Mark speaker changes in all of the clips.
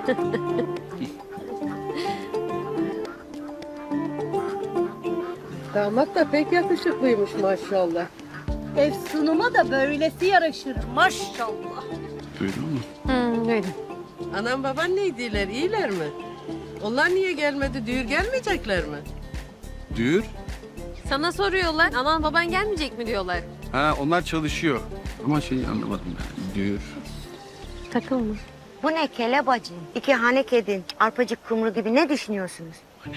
Speaker 1: Damat da pek yakışıklıymış maşallah.
Speaker 2: Efsunuma da böylesi yaraşır maşallah.
Speaker 3: Duydun mu?
Speaker 4: Duydum.
Speaker 1: Anam baban neydiler, iyiler mi? Onlar niye gelmedi, düğür gelmeyecekler mi?
Speaker 3: Düğür?
Speaker 4: Sana soruyorlar. Anan baban gelmeyecek mi diyorlar.
Speaker 3: Ha, onlar çalışıyor. Ama şeyi anlamadım ben. Düğür.
Speaker 4: Takılma.
Speaker 5: Bu ne kelebacı? İki hanek edin. Arpacık kumru gibi ne düşünüyorsunuz?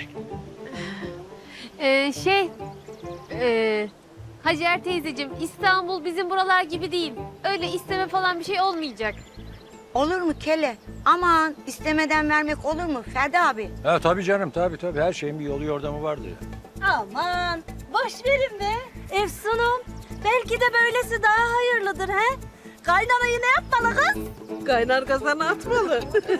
Speaker 4: Hacer teyzeciğim, İstanbul bizim buralar gibi değil. Öyle isteme falan bir şey olmayacak.
Speaker 5: Olur mu kele? Aman istemeden vermek olur mu Ferdi abi?
Speaker 6: Ha tabii canım tabii. Her şeyin bir yolu yordamı vardır ya.
Speaker 2: Aman boş verin be. Efsunum belki de böylesi daha hayırlıdır he. Kaynanayı ne yapmalı kız?
Speaker 1: Kaynar kazana atmalı.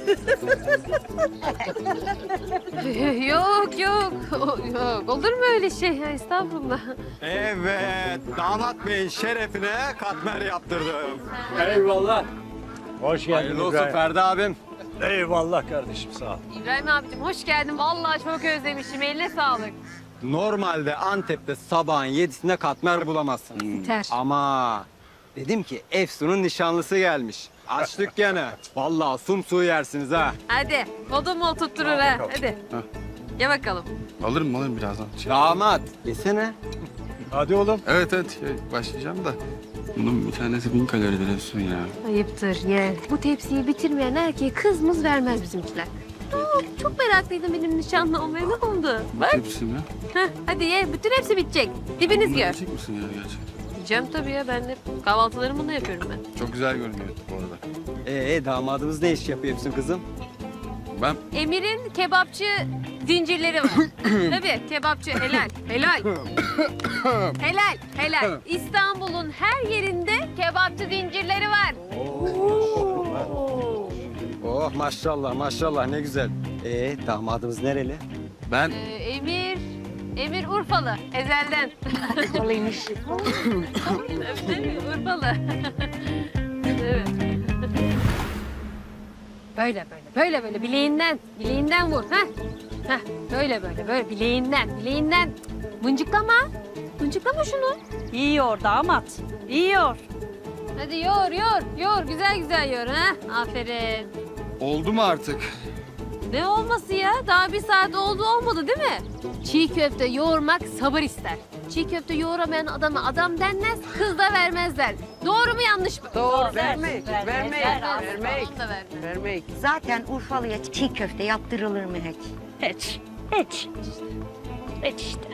Speaker 4: Yok. Yok. Olur mu öyle şey? Ya, estağfurullah.
Speaker 7: Evet, damat beyin şerefine katmer yaptırdım.
Speaker 6: Eyvallah. Hoş geldin
Speaker 7: Hayırlı olsun
Speaker 6: İbrahim.
Speaker 7: Ferdi abim.
Speaker 6: Eyvallah kardeşim sağ ol.
Speaker 4: İbrahim abicim hoş geldin. Vallahi çok özlemişim. Eline sağlık.
Speaker 7: Normalde Antep'te sabahın 7'sinde katmer bulamazsın.
Speaker 4: Biter.
Speaker 7: Ama dedim ki Efsun'un nişanlısı gelmiş. Açtık gene. Vallahi sumsuğu yersiniz ha.
Speaker 4: Hadi. Odun mu tutturur ha? Hadi.
Speaker 3: Ha.
Speaker 4: Ye bakalım.
Speaker 3: Alırım birazdan.
Speaker 7: Damat, yesene.
Speaker 6: Hadi oğlum.
Speaker 3: Evet, başlayacağım da. Bunun bir tanesi 1000 kaloridir Efsun ya.
Speaker 4: Ayıptır ye. Bu tepsiyi bitirmeyen erkeğe kız mız vermez bizimkiler. Çok meraklıydım benim nişanlı olmaya. Ne oldu? Bak.
Speaker 3: Hepsi mi?
Speaker 4: Heh, hadi ye. Bütün hepsi bitecek. Dibiniz gör.
Speaker 3: Yiyecek misin ya gerçekten?
Speaker 4: Yiyeceğim tabii ya. Ben de kahvaltılarımı bununla yapıyorum ben.
Speaker 3: Çok güzel görünüyor bu arada.
Speaker 7: Damadımız ne iş yapıyor Efsun kızım?
Speaker 3: Ben
Speaker 4: Emir'in kebapçı zincirleri var. Tabii kebapçı helal. Helal. İstanbul'un her yerinde kebapçı zincirleri var.
Speaker 7: Oh maşallah ne güzel. Damadımız nereli?
Speaker 3: ben
Speaker 4: Emir Urfalı ezelden.
Speaker 5: Urfalıymış.
Speaker 4: Tabii, Urfalı. Evet. Böyle bileğinden vur. Heh, böyle bileğinden. Mıncıklama şunu.
Speaker 2: Yiyor damat. Yiyor.
Speaker 4: Hadi yoğur, güzel yoğur ha. Aferin.
Speaker 3: oldu mu artık?
Speaker 4: Ne olması ya? Daha bir saat olmadı değil mi? Çiğ köfte yoğurmak sabır ister. Çiğ köfte yoğuramayan adama adam denmez, kız da vermezler. Doğru mu yanlış mı?
Speaker 1: Doğru, vermek.
Speaker 4: Vermek.
Speaker 1: Vermek.
Speaker 5: Zaten Urfalı'ya çiğ köfte yaptırılır mı hiç?
Speaker 2: Hiç işte.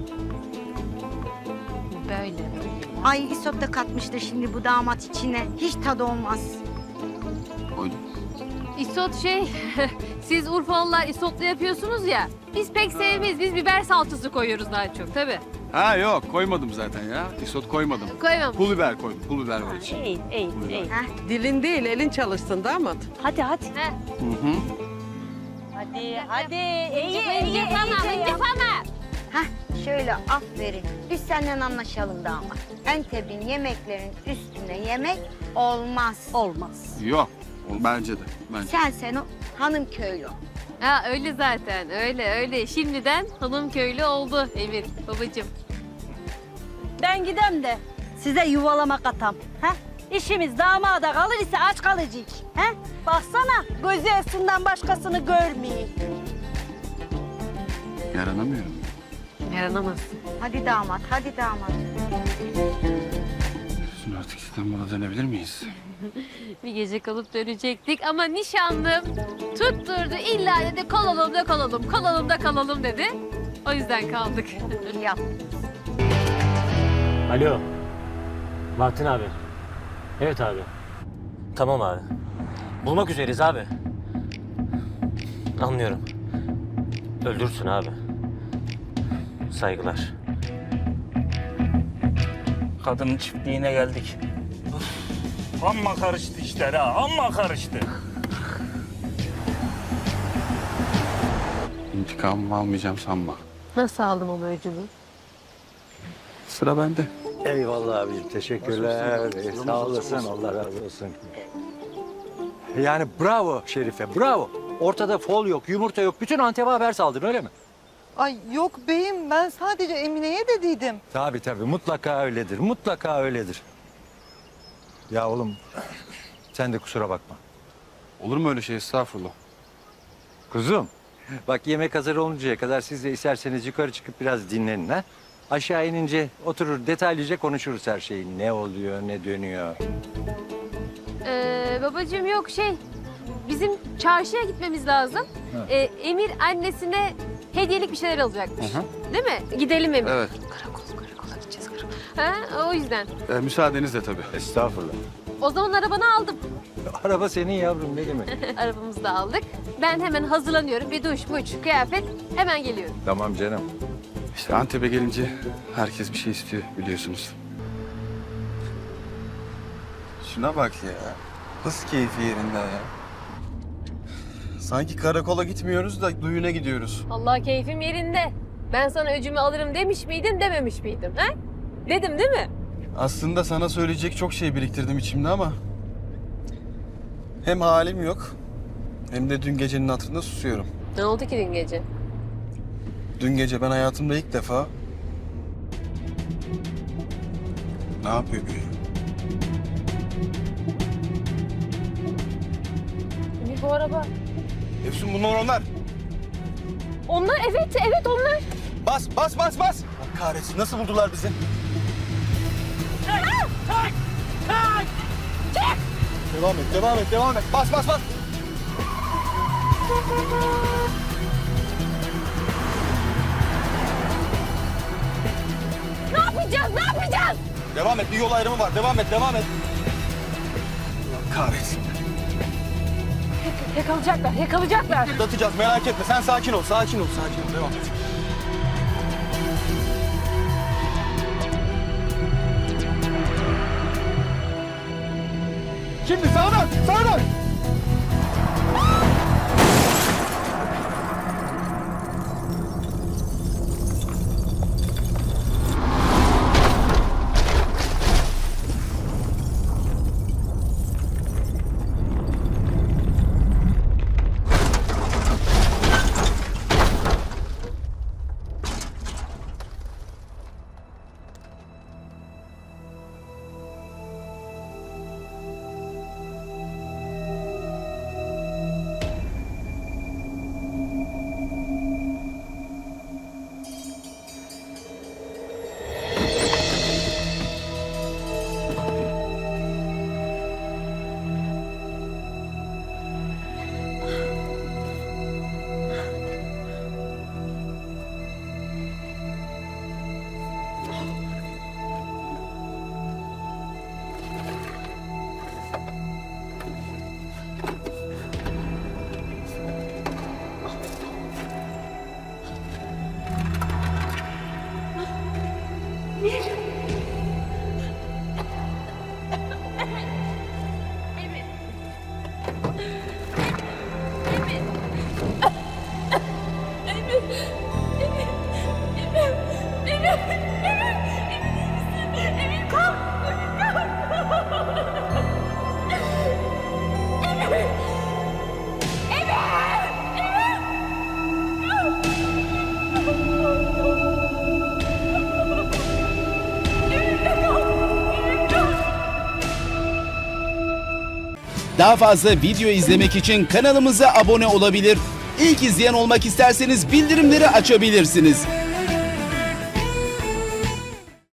Speaker 4: Böyle.
Speaker 5: Ay isot da katmıştır şimdi bu damat içine. Hiç tadı olmaz.
Speaker 3: Koydum.
Speaker 4: İsot siz Urfalılar isotlu yapıyorsunuz ya. Biz pek sevmeyiz. Biz biber salçası koyuyoruz daha çok tabii.
Speaker 3: Ha yok, koymadım zaten ya. Isot koymadım.
Speaker 4: Koymam.
Speaker 3: Pul biber koydum. Pul biber var içinde.
Speaker 2: İyi.
Speaker 1: Dilin değil, elin çalışsın damat.
Speaker 2: Hadi.
Speaker 4: Heh.
Speaker 3: Hı.
Speaker 2: Hadi.
Speaker 4: Mıncıklama.
Speaker 5: Hah şöyle aferin. Biz seninle anlaşalım damat. Antep'in yemeklerin üstüne yemek olmaz.
Speaker 2: Olmaz.
Speaker 3: Yok, bence de.
Speaker 5: Sen o hanım köylü.
Speaker 4: Ha öyle zaten. Öyle. Şimdiden hanım köylü oldu Emir babacığım.
Speaker 2: Ben gidem de size yuvalama katam. He? İşimiz damada kalır ise aç kalacak. He? Baksana gözü Efsun'dan başkasını görmeyeyim.
Speaker 3: Yaranamıyorum.
Speaker 4: Yaranamazsın.
Speaker 5: Hadi damat.
Speaker 3: Efsun artık İstanbul'a dönebilir miyiz?
Speaker 4: Bir gece kalıp dönecektik ama nişanlım tutturdu. İlla dedi kalalım dedi. O yüzden kaldık.
Speaker 5: İyi yap.
Speaker 8: Alo. Bahattin abi. Evet abi. Tamam abi. Bulmak üzereyiz abi. Anlıyorum. Öldürsün abi. Saygılar.
Speaker 9: Kadının çiftliğine geldik. Amma karıştı işler ha, amma karıştı.
Speaker 3: İntikamımı almayacağım sanma.
Speaker 4: Nasıl aldım o öcümü?
Speaker 3: Sıra bende.
Speaker 6: Eyvallah abicim teşekkürler. Sağ olasın Allah razı olsun. Yani bravo Şerife, bravo. Ortada fol yok, yumurta yok. Bütün Antep'e haber saldın öyle mi?
Speaker 10: Ay yok beyim, ben sadece Emine'ye dediydim.
Speaker 6: Tabii mutlaka öyledir, mutlaka öyledir. Ya oğlum sen de kusura bakma.
Speaker 3: Olur mu öyle şey, estağfurullah.
Speaker 6: Kuzum bak yemek hazır oluncaya kadar siz de isterseniz yukarı çıkıp biraz dinlenin ha. Aşağı inince oturur detaylıca konuşuruz her şeyi. Ne oluyor, ne dönüyor.
Speaker 4: Babacığım yok bizim çarşıya gitmemiz lazım. Emir annesine hediyelik bir şeyler alacakmış. Değil mi? Gidelim Emir.
Speaker 3: Evet.
Speaker 4: Karakola gideceğiz karakola. O yüzden.
Speaker 3: Müsaadenizle tabii.
Speaker 6: Estağfurullah.
Speaker 4: O zaman arabanı aldım.
Speaker 6: Araba senin yavrum ne demek?
Speaker 4: Arabamızı da aldık. Ben hemen hazırlanıyorum. Bir duş, muç, kıyafet. Hemen geliyorum.
Speaker 6: Tamam canım.
Speaker 3: İşte Antep'e gelince herkes bir şey istiyor biliyorsunuz.
Speaker 11: Şuna bak ya. Nasıl keyfi yerinde ya. Sanki karakola gitmiyoruz da düğüne gidiyoruz.
Speaker 4: Allah keyfim yerinde. Ben sana öcümü alırım demiş miydim, dememiş miydim? He? Dedim değil mi?
Speaker 11: Aslında sana söyleyecek çok şey biriktirdim içimde ama... hem halim yok, hem de dün gecenin hatırında susuyorum.
Speaker 4: Ne oldu ki dün gece?
Speaker 11: Dün gece ben hayatımda ilk defa... Ne yapıyor bu ya?
Speaker 4: Emir bu araba.
Speaker 11: Efsun bunlar onlar.
Speaker 4: Onlar evet onlar.
Speaker 11: Bas. Allah kahretsin, nasıl buldular bizi? Devam et. Bas.
Speaker 4: Ne yapacağız?
Speaker 11: Devam et, bir yol ayrımı var. Devam et. Allah kahretsin.
Speaker 4: Yakalayacaklar.
Speaker 11: Atlatacağız, merak etme. Sen sakin ol. Devam et. Şimdi sağdan.
Speaker 12: Daha fazla video izlemek için kanalımıza abone olabilir. İlk izleyen olmak isterseniz bildirimleri açabilirsiniz.